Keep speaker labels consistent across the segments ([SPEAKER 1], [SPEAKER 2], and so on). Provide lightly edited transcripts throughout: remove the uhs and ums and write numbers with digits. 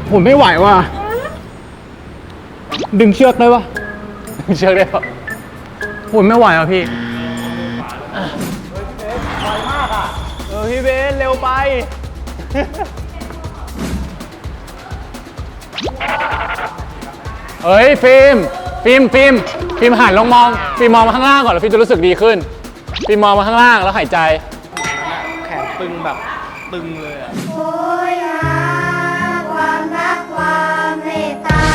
[SPEAKER 1] ผมไม่ไหวว่ะดึงเชือกได้ปะดึงเชือกได้ปะผมไม่ไหวอ่ะพี่ไวมากอ่ะพี่เบนเร็วไปเฮ้ยฟิล์มหันลงมองฟิล์มมองมาข้างล่างก่อนแล้วฟิล์มจะรู้สึกดีขึ้นฟิล์มมองมาข้างล่างแล้วหายใจแขนตึงแบบตึงเลยอ่ะ
[SPEAKER 2] โอ้ยหาความรักความเมตตา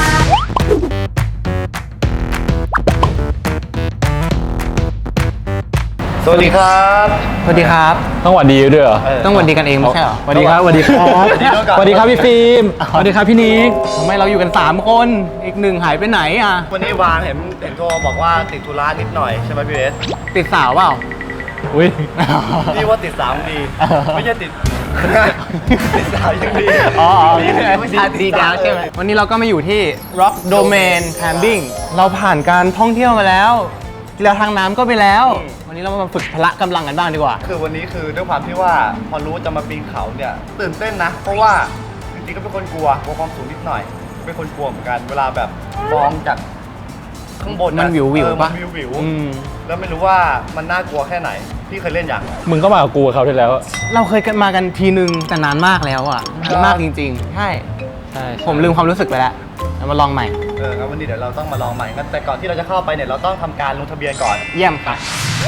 [SPEAKER 3] สวัสดีครับ
[SPEAKER 1] สวัสดีครับ
[SPEAKER 4] ต้องหวัดดีด้วยเหรอ
[SPEAKER 1] ต้องหวัดดีกันเองไม่ใช่เหรอ
[SPEAKER 4] สวัสดีครับสวัสดีครับสวัสดีครับพี่ฟิล์มสวัสดีครับพี่นิก
[SPEAKER 1] ทำไมเราอยู่กัน3คนอีกหนึ่งหายไปไหนอ่ะ
[SPEAKER 3] วันนี้วานเห็นโทรบอกว่าติดธุระนิดหน่อยใช่ไหมพี่เบส
[SPEAKER 1] ติดสาวเปล่า
[SPEAKER 4] อุ้ย
[SPEAKER 3] นี่ว่าติดสาวดี ไม่ใช่ติดติดสาวยังดี
[SPEAKER 1] อ๋อ
[SPEAKER 3] ไม่ใช่ติดสาวใช่ไหม
[SPEAKER 1] วันนี้เราก็มาอยู่ที่ Rock Domain Camping เราผ่านการท่องเที่ยวมาแล้วเราทางน้ำก็ไปแล้ว วันนี้เรามาฝึกพละกำลังกันบ้างดีกว่า
[SPEAKER 3] คือวันนี้คือด้วยความที่ว่าพอรู้จะมาปีนเขาเนี่ยตื่นเต้นนะ เพราะว่าจริงๆก็เป็นคนกลัวความสูงนิดหน่อย เป็นคนกลัวเหมือนกันเวลาแบบมองจากข้างบน
[SPEAKER 1] มันวิวๆ
[SPEAKER 3] ปะ
[SPEAKER 1] ปะ
[SPEAKER 3] มันวิว
[SPEAKER 1] อืม
[SPEAKER 3] แล้วไม่รู้ว่ามันน่ากลัวแค่ไหนพี่เคยเล่นอย่าง
[SPEAKER 4] มึงก็มากับกูกับเขาที่แล้ว
[SPEAKER 1] เราเคยกันมากันทีนึงแต่นานมากแล้วอ่ะนานมากจริงๆ ใช่
[SPEAKER 4] ใช่
[SPEAKER 1] ผมลืมความรู้สึกไปแล้วเรามาลองใหม่
[SPEAKER 3] ครับวันนี้เดี๋ยวเราต้องมาลองใหม่กันแต่ก่อนที่เราจะเข้าไปเนี่ยเราต้องทำการลงทะเบียนก่อน
[SPEAKER 1] เยี่ยมค่ะ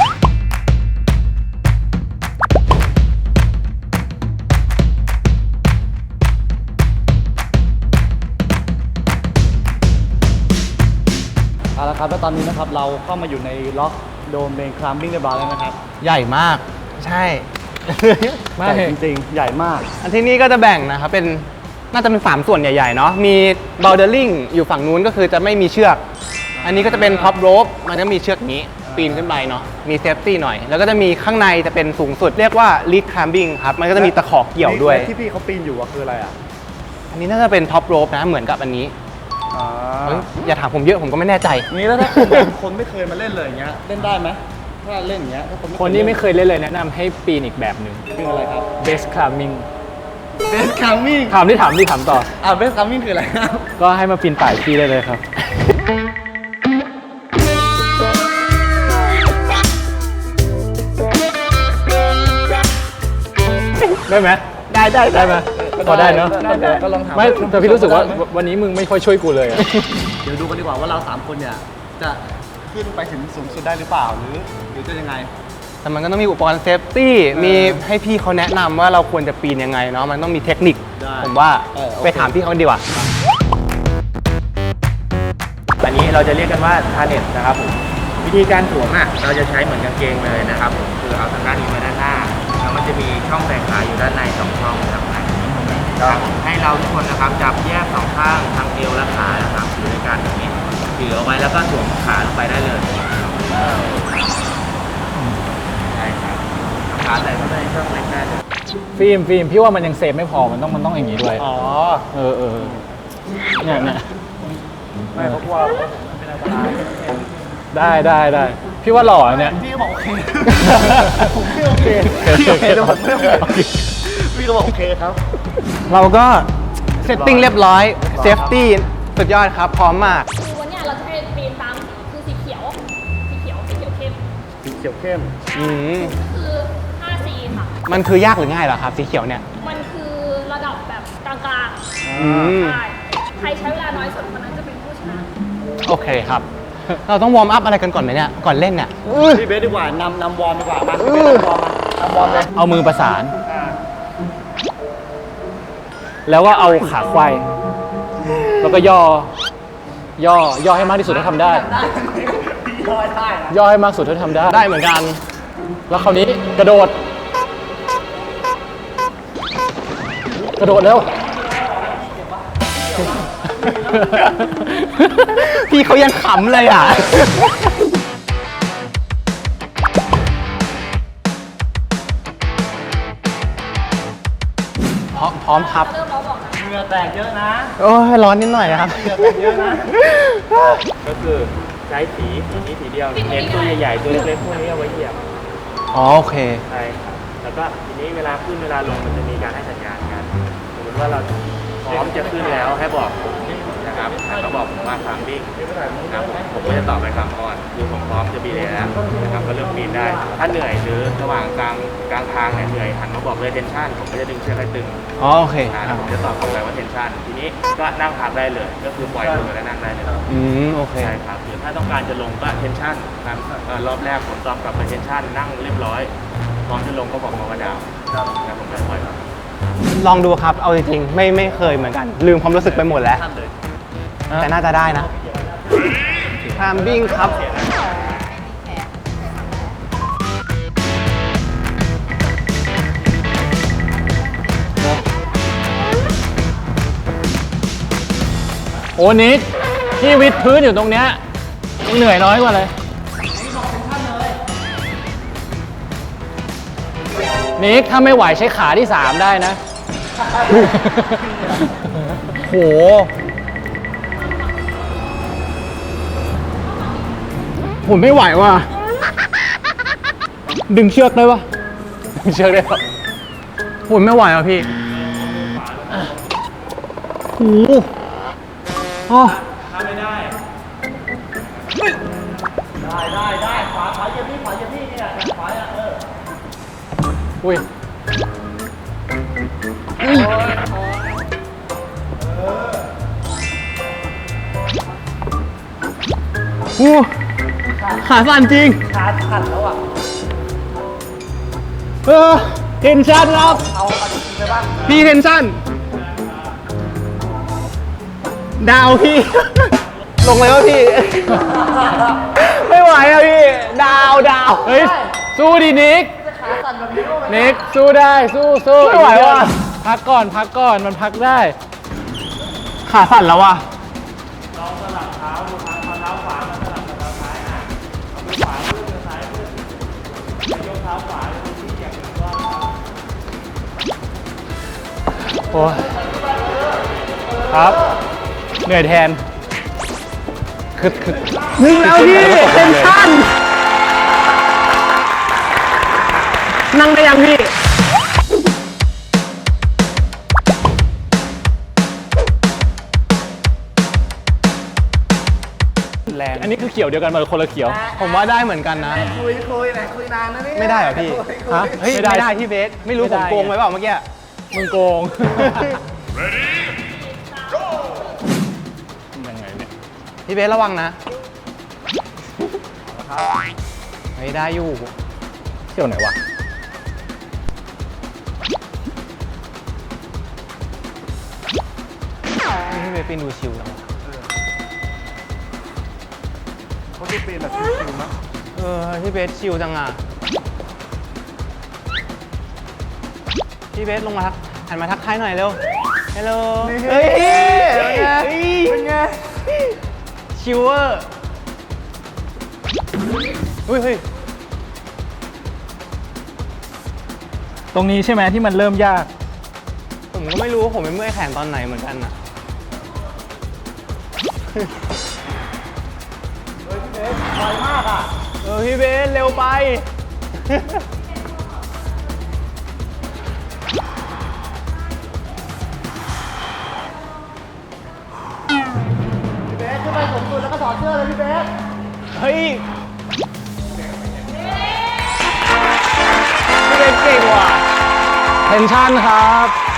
[SPEAKER 3] เอาละครับแล้วตอนนี้นะครับเราเข้ามาอยู่ในล็อกโดมเบนคลัมบิ้งเรียบร้อยแล้วนะครับ
[SPEAKER 1] ใหญ่มาก ใช่
[SPEAKER 4] ไม่
[SPEAKER 3] ใหญ่จริงๆ ใหญ่มาก
[SPEAKER 1] อันที่นี่ก็จะแบ่งนะครับเป็นน่าจะเป็น3ส่วนใหญ่ๆเนาะมีบ o ลเดอร์ลิงอยู่ฝั่งนู้นก็คือจะไม่มีเชือก อันนี้ก็จะเป็นท็อปโรปมันก็มีเชือกนี้ปีนขึ้นไปเนาะมีเซฟตี้หน่อย แล้วก็จะมีข้างในจะเป็นสูงสุดเรียกว่าลีดคลัมบิ้งครับมันก็จะมีตะขอเกี่ยวด้วย
[SPEAKER 3] ที่พี่เขาปีนอยู่อะคืออะไรอ่ะ
[SPEAKER 1] อันนี้น่าจะเป็นท็อปโรปนะเหมือนกับอันนี้เฮ้ยอย่าถามผมเยอะผมก็ไม่แน่ใจ
[SPEAKER 3] นี่แล้วถ้าคนแบบคนไม่เคยมาเล่นเลยอย่างเงี้ยเล่นได้ไหมถ้าเล่นอย่างเงี้ยถ้า
[SPEAKER 4] คนที่ไม่เคยเล่นเลยแนะนำให้ปีนอีกแบบหนึ่ง
[SPEAKER 3] คืออะไรครับ
[SPEAKER 4] base climbing
[SPEAKER 3] เบสคัมมิ่ง
[SPEAKER 4] ถามต่อ
[SPEAKER 3] เบสคัมมิ่งคืออะไรครับ
[SPEAKER 4] ก็ให้มาปีนป่ายพี่ได้เลยครับ ได้ไหม ได้ไหมพอได้เนาะ
[SPEAKER 3] ได้ก็ลองถาม
[SPEAKER 4] ไม่แต่พี่รู้สึกว่าวันนี้มึงไม่ค่อยช่วยกูเลยอะ
[SPEAKER 3] เดี๋ยวดูกันดีกว่าว่าเรา3คนเนี่ยจะขึ้นไปถึงสูงสุดได้หรือเปล่าหรือจะยังไง
[SPEAKER 1] แต่มันก็ต้องมีอุปกรณ์เซฟตี้มีให้พี่เขาแนะนำว่าเราควรจะปีนยังไงเนาะมันต้องมีเทคนิค
[SPEAKER 3] ได้
[SPEAKER 1] ผมว่า
[SPEAKER 3] โอเค
[SPEAKER 1] ไปถามพี่เขาดีกว่า
[SPEAKER 5] อันนี้เราจะเรียกกันว่าทาร์เน็ตนะครับผมวิธีการสวมอ่ะเราจะใช้เหมือนกางเกงเลยนะครับผมคือเอาทางด้านนี้มาด้านหน้าแล้วมันจะมีช่องแบ่งขาอยู่ด้านใน2ช่องนะครับครับให้เราทุกคนนะครับจับแยก2ข้างทางเอวและขานะครับอยู่ด้วยกันอย่างนี้ถือเอาไว้แล้วก็สวมขาลงไปได้เลยใช่ครับขาใส่เข้าไปในช่องเล็กได้เลย
[SPEAKER 4] ฟิล์มพี่ว่ามันยังเซฟไม่พอมันต้องอย่างนี้ด้วย
[SPEAKER 3] อ๋อ
[SPEAKER 4] เออเนี่ย
[SPEAKER 3] ไม่เพราะว่ามันเป็นอันตราย
[SPEAKER 4] ได้พี่ว่าหล่อเนี่ย
[SPEAKER 3] พี่ก็บอกโอเคผมไม่โอเคพี่โอเคแต่ผมไม่โอเคพี่ก็บอกโอเคครับ
[SPEAKER 1] เราก็เซตติ้งเรียบร้อยเซฟตี้สุดยอดครับ พร้อมมาก
[SPEAKER 6] คือวันเนี้ยเราจะให้ปีนตามคือสีเขียวเข้ม
[SPEAKER 3] สีเขียวเข้ม
[SPEAKER 1] อืม
[SPEAKER 6] คือ 5C ค่ะ
[SPEAKER 1] มันคือยากหรือง่ายเหรอครับ สีเขียวเนี่ย
[SPEAKER 6] มันคือระดับแบบกลาง
[SPEAKER 1] อืม
[SPEAKER 6] ๆใช่ใครใช้เวลาน้อยสุดคนนั้นจะเป็นผู้ชนะ
[SPEAKER 1] โอเคครับ เราต้องวอร์มอัพอะไรกันก่อนไหมเนี่ย ก่อนเล่นเนี่ย
[SPEAKER 3] พี่เบสดีกว่านำวอร์มดีกว่ามาพี่เบสนำวอร์มเลย
[SPEAKER 4] เอามือประสาน แล้วก็เอาขาควายแล้วก็ย่อให้มากที่สุดเท่าทำได้ ย่อให้มากสุดเท่าทำได้
[SPEAKER 1] ได้เหมือนกัน
[SPEAKER 4] แล้วคราวนี้กระโดดเร็ว
[SPEAKER 1] พี่เขายังขำเลยอ่ะ พร้อมครับ
[SPEAKER 6] เริ่มเราบอกนะ
[SPEAKER 3] เหงื่อแตกเยอะนะ
[SPEAKER 1] โอ้ยร้อนนิดหน่อยครับ
[SPEAKER 3] เหงื่อแตกเยอะนะ
[SPEAKER 5] ก็คือใช้สีนี้สีเดียวเน้นตัวใหญ่ๆตัวเล็กๆพวกนี้เอาไว้เหยียบ
[SPEAKER 1] อ๋อโอเค
[SPEAKER 5] ใช่ครับแล้วก็ทีนี้เวลาขึ้นเวลาลงมันจะมีการให้สัญญาณกันสมมติว่าเราพอร้อมจะขึ้นแล้วให้บอกผมนะครับแล้วบอกผมว่าทางวิ่งนะครับผมก็จะตอบไปคำก่อนคือผมพร้อมจะบินแล้วนะครับก็เริ่มบินได้ ถ้าเหนื่อยหรือระหว่างกลางทางเนี่ยเหนื่อยหันมาบอกเลยเทนชั่นผมก็จะดึงเชือกให้ตึง
[SPEAKER 1] อ๋อโอเค
[SPEAKER 5] ผมจะตอบกลับไปว่าเทนชั่นทีนี้ก็นั่งพักได้เลย ก็คือปล่อยมือแล้วนั่งได้เลย
[SPEAKER 1] โอเค
[SPEAKER 5] ใช่ครับหรือถ้าต้องการจะลงก็เทนชั่นครับรอบแรกผมตอบกลับไปเทนชั่นนั่งเรียบร้อยพร้อมจะลงก็บอกมาว่าดาวแล้วผมก็ปล่อยครับ
[SPEAKER 1] ลองดูครับ เอาจริงๆ ไม่เคยเหมือนกัน ลืมความรู้สึกไปหมดแล้ว แต่น่าจะได้นะทามบิ้งครับ
[SPEAKER 4] โอ้นิกที่วิดพื้นอยู่ตรงเนี้ยยังเหนื่อยน้อยกว่าเลยนิกถ้าไม่ไหวใช้ขาที่ 3 ได้นะ
[SPEAKER 1] โห ผมไม่ไหวว่ะ
[SPEAKER 4] ดึงเชือกได้ปะ
[SPEAKER 1] เชื่อได้ปะผมไม่ไหวอ่ะพี่โอ้โหอ๋อ
[SPEAKER 4] อุ้ย
[SPEAKER 1] โอ้ขาสั่นจริง
[SPEAKER 4] เทนชั่นครับ
[SPEAKER 1] พี่เทนชั่น ดาวพี่ ลงเลยว่าพี่ ไม่ไหวอ่ะพี่ ดาว
[SPEAKER 4] เฮ้ย สู้ดินิกนิกสู้ได้สู้
[SPEAKER 1] ไม่ไหวว่ะ
[SPEAKER 4] พักก่อนมันพักได้
[SPEAKER 1] ขาสั่นแล้วว่ะ
[SPEAKER 4] โอ้ยครับ เหนื่อยแทนคือ
[SPEAKER 1] นึงแล้วพี่เทนชั่น นั่งได้ยังพี่
[SPEAKER 4] แรงอันนี้คือเขียวเดียวกันมันคนละเขียว
[SPEAKER 1] ผมว่าได้เหมือนกันนะ
[SPEAKER 3] คุยนานนะนี่
[SPEAKER 1] ไม่ได้เหรอพี่ ฮะ เฮ้ย
[SPEAKER 4] ไม่
[SPEAKER 1] ไม่
[SPEAKER 4] ได้
[SPEAKER 1] ได้พี่เบส ไม่รู้
[SPEAKER 4] ไม่
[SPEAKER 1] ผ
[SPEAKER 4] ได้
[SPEAKER 1] มโกงไว้เปล่าเมื่อกี้
[SPEAKER 4] มึงโกง ยังไงเนี่ย
[SPEAKER 1] พี่เบสระวังนะเฮ้ยได้อยู่
[SPEAKER 4] เที่ยวไหนวะ
[SPEAKER 1] พี่เบสปีนดูชิวจังวะ
[SPEAKER 3] เขาดูปีนแบบชิวๆนะ
[SPEAKER 1] พี่เบสชิวจังอ่ะ พี่เบสลงมาทักหันมาทักทายหน่อยเร็วฮัลโหลเฮ้ยเป็นไงชิวเวอร์เฮ้ย
[SPEAKER 4] ตรงนี้ใช่ไหมที่มันเริ่มยาก
[SPEAKER 1] ผมก็ไม่รู้ว่าผมเป็นเมื่อยแขนตอนไหนเหมือนกันอ่ะพี่เบสเร็วไป
[SPEAKER 3] พี่เบสขึ้นไปสูงสุดแล้วก็ถอดเสื้อเลยพี่เบส
[SPEAKER 1] เฮ้ย พี่เบสเก่งว่ะ
[SPEAKER 4] เทนชั่นครับ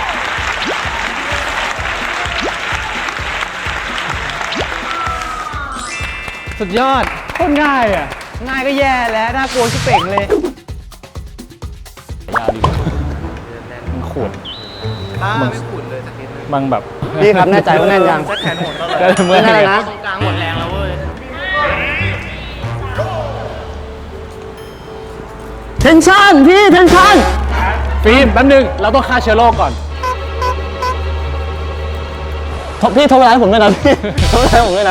[SPEAKER 1] สุดยอด
[SPEAKER 4] โคตรง่ายอ่ะ
[SPEAKER 1] ง่ายก็แย่แล้วน่ากลัวชิบเป่งเลย
[SPEAKER 4] มันขูด
[SPEAKER 1] ไม่ขุ่นเลยสักนิด
[SPEAKER 4] บางแบบ
[SPEAKER 1] พี่ครับแน่ใจว่าแน่นยัง
[SPEAKER 3] แขนหมดแล้ว
[SPEAKER 4] ก็เมื่อย
[SPEAKER 1] แน่
[SPEAKER 4] ไง
[SPEAKER 1] นะ
[SPEAKER 5] ตรงกลางหมดแรงแล้วเว้ย
[SPEAKER 1] เทนชั่นพี่เทนชั่น
[SPEAKER 4] ฟิล์มแป๊บนึง เราต้องฆ่าเชื้อโรคก่อน
[SPEAKER 1] พี่โทรเวลาให้ผมด้วยนะพี่โทรเวลาให้ผมด้วยนะ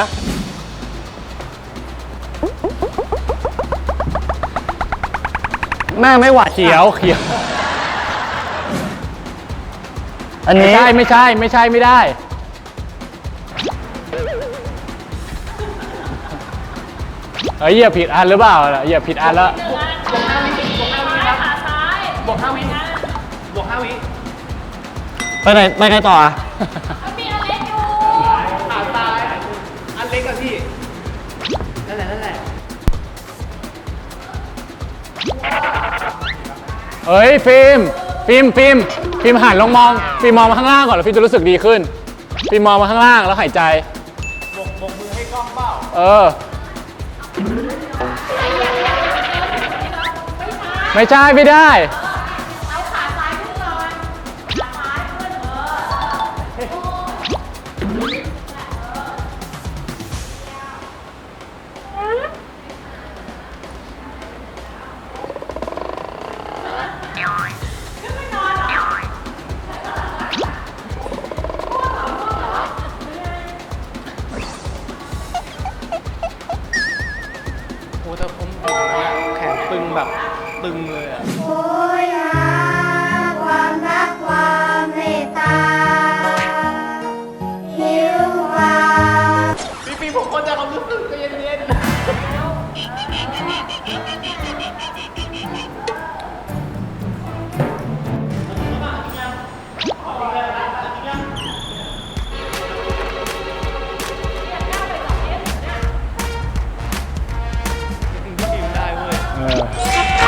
[SPEAKER 1] แม่ไม่ไหว
[SPEAKER 4] เขียว
[SPEAKER 1] อันนี้
[SPEAKER 4] ไม่ใช่ไม่ได้ เฮ้ยเหยียบผิดอันหรือเปล่าล่ะเหยียบผิดอันแล้ว
[SPEAKER 6] ขาซ้าย
[SPEAKER 1] ไปไหนต่ออ่ะ
[SPEAKER 6] มี
[SPEAKER 4] เฮ้ยฟิล์มหันลงมองฟิล์มมองมาข้างล่างก่อนแล้วฟิล์มจะรู้สึกดีขึ้นฟิล์มมองมาข้างล่างแล้วหายใจบกมือให้กล้องเปล่าไม่ใช่ไม่ได้
[SPEAKER 6] เอาขาซ้ายขึ้นก่อนขาซ้ายขึ้น
[SPEAKER 1] โอ้แต่ผมแขนตึงแบบตึงเลยอ่ะ
[SPEAKER 2] โหยหาความรักความเมตตาหิวมา
[SPEAKER 1] พี่ผมคนจะความรู้สึกใจเย็นได้เว้ย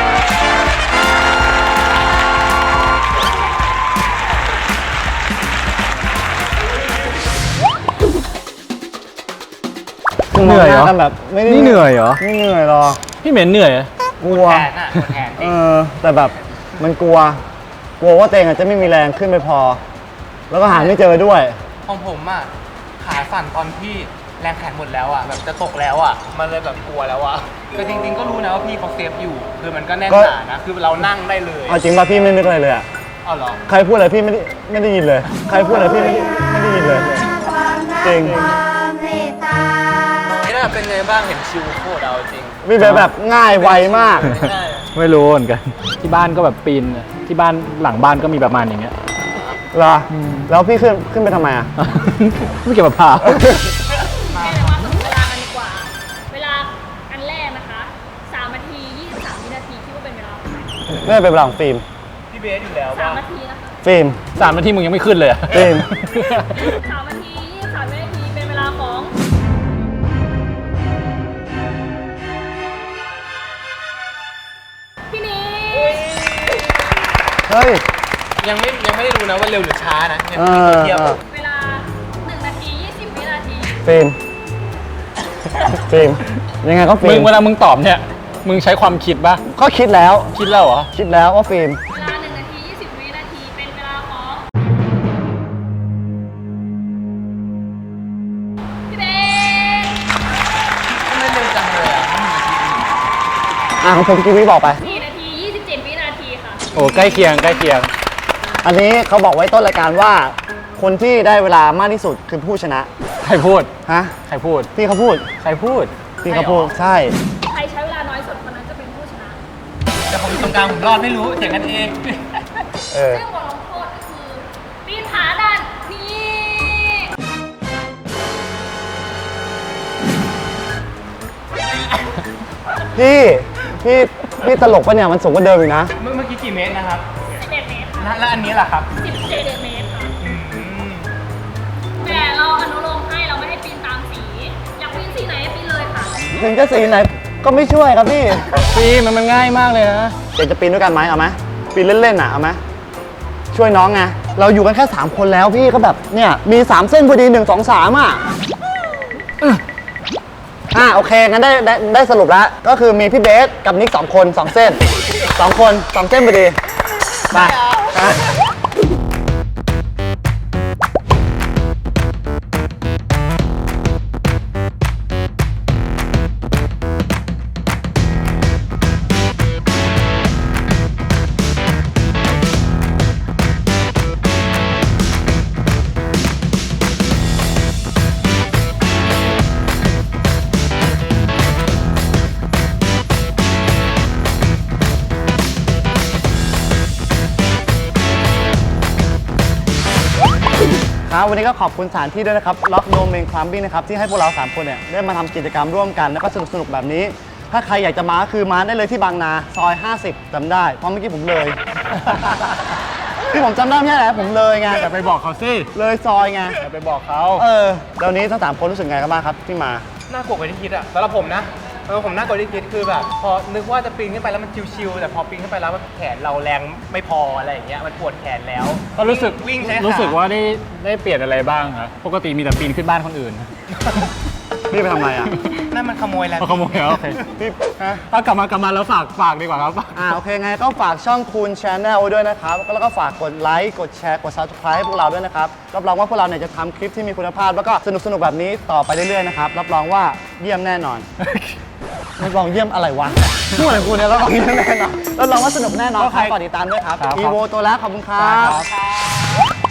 [SPEAKER 4] เหนื่อยเหรอ
[SPEAKER 3] กันแบบไม่ได้
[SPEAKER 4] นี่เหนื่อยเหรอ
[SPEAKER 3] ไม่เหนื่อยหรอก
[SPEAKER 4] พี่เหม็นเหนื่อยอะ
[SPEAKER 3] กลัว
[SPEAKER 1] แขนอ่ะแขน
[SPEAKER 3] แต่แบบมันกลัวว่าตัวเองอาจจะไม่มีแรงขึ้นไปพอ แล้วก็หาไม่เจอด้วย
[SPEAKER 1] ของผมอ่ะขาสั่นตอนที่แรงแขนหมดแล้วอ่ะแบบจะตกแล้วอ่ะมันเลยแบบกลัวแล้วอ่ะคือจริงๆก็รู้นะว่าพี่เขาเซฟอยู่คือมันก็แน่นหนานะคือเรานั่งได้เลย
[SPEAKER 3] เอาจริงป่ะพี่ไม่นึกอะไรเลยอะ
[SPEAKER 1] เอาเหรอ
[SPEAKER 3] ใครพูดอะไรพี่ไม่ได้ยินเลย ใครพูดอะไรพี่ไม่ได้ยินเลย
[SPEAKER 2] ความรัก
[SPEAKER 3] จริง
[SPEAKER 2] ความเมตตา
[SPEAKER 1] นี่น่าเป็นไงบ้างเห็นชิวโคตรเอาจริง
[SPEAKER 3] พี่แบบง่ายไวมาก
[SPEAKER 1] ไม่ใช่
[SPEAKER 4] ไม่รู้เหมือนกันที่บ้านก็แบบปีนที่บ้านหลังบ้านก็มีประมาณอย่างเงี้ย
[SPEAKER 3] เหรอ แล้วพี่ขึ้นไปทำไมอะ
[SPEAKER 4] ไม่เกี่ยวกับผ่า
[SPEAKER 6] แค่แต่ว่าสรุปเวลากันดีกว่า เวลาอันแรกนะคะ3 นาที 23 วินาทีคิดว่าเป็นเวลา
[SPEAKER 3] ไม่เป็นเวลาของฟิล์ม
[SPEAKER 1] พี่เบสอยู่แล้วว่า
[SPEAKER 6] 3 นาทีนะคะ
[SPEAKER 3] ฟิล์ม
[SPEAKER 4] 3 นาทีมึงยังไม่ขึ้นเลยอะ
[SPEAKER 3] ฟิล์ม
[SPEAKER 6] 3 นาที 23 วินาทีเป็นเวลาของพี่นี
[SPEAKER 3] เฮ้ย
[SPEAKER 1] ยังไม่ได้รู้นะว่าเร็วหรือช้านะยัง
[SPEAKER 3] เอ
[SPEAKER 1] ไม่
[SPEAKER 3] อ
[SPEAKER 1] เทียบ
[SPEAKER 6] เวลา 1 นาที 20 วินาที
[SPEAKER 3] ฟิล์ม ฟิล์ม ยังไงก็ฟิ
[SPEAKER 4] มึ
[SPEAKER 3] ล์
[SPEAKER 4] ง
[SPEAKER 3] ม
[SPEAKER 4] เวลามึงตอบเนี่ยมึงใช้ความคิดปะ
[SPEAKER 3] ก็คิดแล้ว
[SPEAKER 4] คิดแล้วเหรอ
[SPEAKER 3] คิดแล้วว่าฟิล์ม
[SPEAKER 6] เวลา 1 นาที 20 วินาทีเป็นเวลาของพี่เบน
[SPEAKER 1] ทำไมเร็วจังเลยอ่ะมัน1 นาทีเอง
[SPEAKER 3] ของผมกี่วิบอกไป
[SPEAKER 6] 4 นาที 27 วินาทีค่ะ
[SPEAKER 4] โอ้ใกล้เคียงใกล้เคียง
[SPEAKER 3] อันนี้เขาบอกไว้ต้นรายการว่า คนที่ได้เวลามากที่สุดคือผู้ชนะ
[SPEAKER 4] ใครพูด
[SPEAKER 3] ฮะ
[SPEAKER 4] ใครพูด
[SPEAKER 3] พี่เขาพูด
[SPEAKER 4] ใครพูด
[SPEAKER 3] พี่เขาพูด ใช่
[SPEAKER 6] ใครใช้เวลาน้อยสุดคนนั้นจะเป็นผู้ชนะ
[SPEAKER 1] แต่ผมอยู่ตรงกลางผมรอดไม่รู้เถียงกันเอง
[SPEAKER 3] เออ
[SPEAKER 6] ซึ่งบทลงโทษก็คือปีนผาด้านนี้
[SPEAKER 3] พี่ตลกปะเนี่ย มันสูงกว่าเดิมอีกนะ
[SPEAKER 1] เมื่อกี้กี่เมตรนะครับ
[SPEAKER 6] 11 เมตรค่ะ
[SPEAKER 1] แล้วอันนี้ล่ะครับ
[SPEAKER 6] 17 เมตรค่ะแต่เราอนุโลมให้เราไม่ให้ปีนตามสี อยากปีนสีไหนปีนเลยค่ะ
[SPEAKER 3] ถึงจะสีไหนก็ไม่ช่วยครับพี่
[SPEAKER 4] ปีมันง่ายมากเลยนะ
[SPEAKER 3] เดี๋ยวจะปีนด้วยกันไหมเอาไหมปีนเล่นๆอ่ะเอาไหมช่วยน้องไง เราอยู่กันแค่ 3 คนแล้วพี่ก็แบบเนี่ยมี 3 เส้นพอดี 1 2 3 อ่ะ โอเค งั้นได้สรุปแล้ว ก็คือมีพี่เบสกับนิก2 คน 2 เส้น 2 คน 2 เส้นพอดี ไปอ่ะ ครับวันนี้ก็ขอบคุณสถานที่ด้วยนะครับล็อกโดมเมนคลัมบิ้งนะครับที่ให้พวกเรา 3 คนเนี่ยได้มาทำกิจกรรมร่วมกันแล้วก็สนุกๆแบบนี้ ถ้าใครอยากจะมาก็คือมาได้เลยที่บางนาซอย 50จำได้เพราะเมื่อกี้ผมเลย ที่ผมจำได้ไม่ใช่แหละผมเลยไง
[SPEAKER 4] แต่ไปบอกเขาสิ
[SPEAKER 3] เลยซอยไง
[SPEAKER 4] ไปบอกเขา
[SPEAKER 3] เดี๋ยวนี้ทั้ง 3 คนรู้สึกไงกันบ้างครับที่มา
[SPEAKER 1] น่ากลัวกว่าที่คิดอ่ะสำหรับผมนะผมน่ากลัวที่คิดคือแบบพอนึกว่าจะปีนขึ้นไปแล้วมันชิวๆแต่พอปีนขึ้นไปแล้วแขนเราแรงไม่พออะไรอย่างเงี้ยมันปวดแขนแล้ว
[SPEAKER 4] ก็รู้สึก
[SPEAKER 1] วิ่งใช้ขา
[SPEAKER 4] รู้สึกว่าได้เปลี่ยนอะไรบ้างครับปกติมีแต่ปีนขึ้นบ้านคนอื่น
[SPEAKER 3] พี่ไปทำอะไรอ่ะ
[SPEAKER 1] นั่นมันขโมยแล้ว
[SPEAKER 4] เอาขโมยเหรอโอเค
[SPEAKER 3] พี่ฮะ
[SPEAKER 4] เอากลับมาแล้วฝากดีกว่าครับ
[SPEAKER 3] โอเคไงก็ฝากช่องคูณ Channel ด้วยนะครับ แล้วก็ฝากกดไลค์กดแชร์กด Subscribe ให้พวกเราด้วยนะครับรับรองว่าพวกเราเนี่ยจะทำคลิปที่มีคุณภาพ แล้วก็สนุกๆแบบนี้ต่อไปเรื่อยๆนะครับรับรองว่าเยี่ยมแน่นอน รับรองเยี่ยมอะไรวะพูดอะไรกูเนี่ยรับรองเยี่ยมแน่นอนรับรองว่าสนุกแน่นอน
[SPEAKER 4] ก็ใคร
[SPEAKER 3] ฝากติดตามด้วยครับ
[SPEAKER 4] ครับ
[SPEAKER 3] อีโวตัวแล้วขอบคุณครับ